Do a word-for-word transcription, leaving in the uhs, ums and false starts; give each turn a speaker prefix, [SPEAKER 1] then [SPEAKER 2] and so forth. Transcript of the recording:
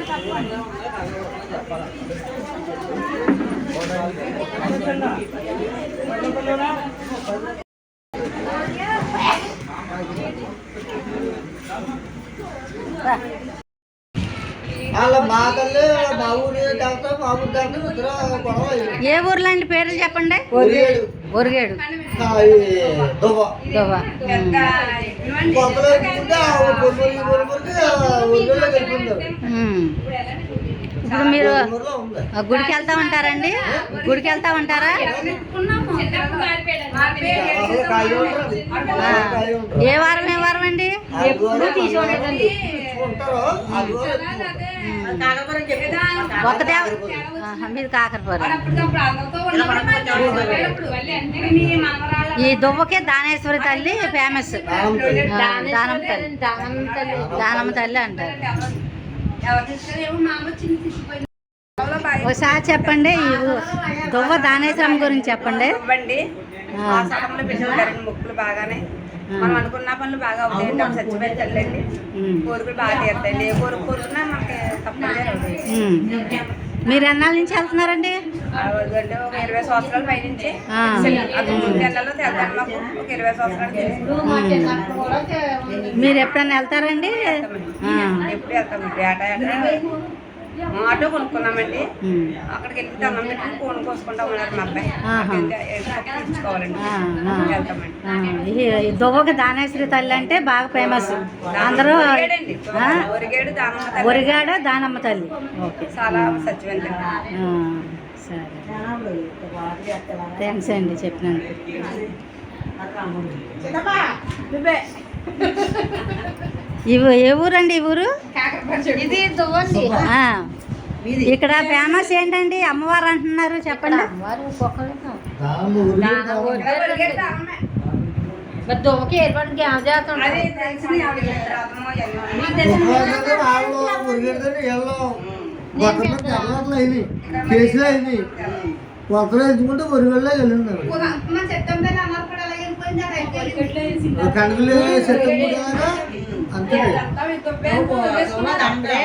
[SPEAKER 1] ఏ ఊర్లో అండి పేర్లు చెప్పండి. ఒరిగేడు ఇప్పుడు మీరు గుడికి వెళ్తా ఉంటారండి? గుడికి వెళ్తా ఉంటారా? ఏ వారం ఏ వారం అండి? ఒకటే మీరు కాకరపురం. ఈ దువ్వకే దానేశ్వరి తల్లి ఫేమస్. దానమ్మ తల్లి దానమ్మ తల్లి అంటారు. ఒకసారి చెప్పండి ఈ దువ్వ దానేశ్వరం గురించి చెప్పండి.
[SPEAKER 2] మొక్కులు బాగానే మనం అనుకున్న పనులు బాగా అవుతాయండి. అప్పుడు చచ్చిపోయి తల్లండి కోరికలు బాగా తీరుతాయండి. ఏ కోరిక కోరుకున్నా మనకి తప్పనిసరి.
[SPEAKER 1] మీరు ఎన్నాళ్ళ నుంచి వెళ్తున్నారండి?
[SPEAKER 2] ఒక ఇరవై సంవత్సరాల పై నుంచి నెలలో తెల్తాను. మాకు ఒక ఇరవై సంవత్సరాలు.
[SPEAKER 1] మీరు ఎప్పుడన్నా వెళ్తారండి?
[SPEAKER 2] ఎప్పుడు వెళ్తామండి. ఏటా ఏటా ఆటో కొనుక్కున్నామండి. అక్కడికి వెళ్ళి దండం పెట్టుకుని కోన్ కోసుకుంటాం అన్నారు మా అబ్బాయి. తీసుకోవాలండి
[SPEAKER 1] వెళ్తామండి. దువ్వకి దానేశ్వరి తల్లి అంటే బాగా ఫేమస్. అందరూ ఒరిగాడు దానమ్మ తల్లి. ఓకే
[SPEAKER 2] చాలా సత్యవంత.
[SPEAKER 1] సరే థ్యాంక్స్ అండి చెప్పినందుకు. ఇవి ఏ ఊరండి? ఈ ఊరు ఇక్కడ ఫేమస్ ఏంటండి? అమ్మవారు అంటున్నారు చెప్పండి.
[SPEAKER 3] కొత్తలో ఎంచుకుంటే ఒరిగల్లో వెళ్ళింది. కనుకలే అంతే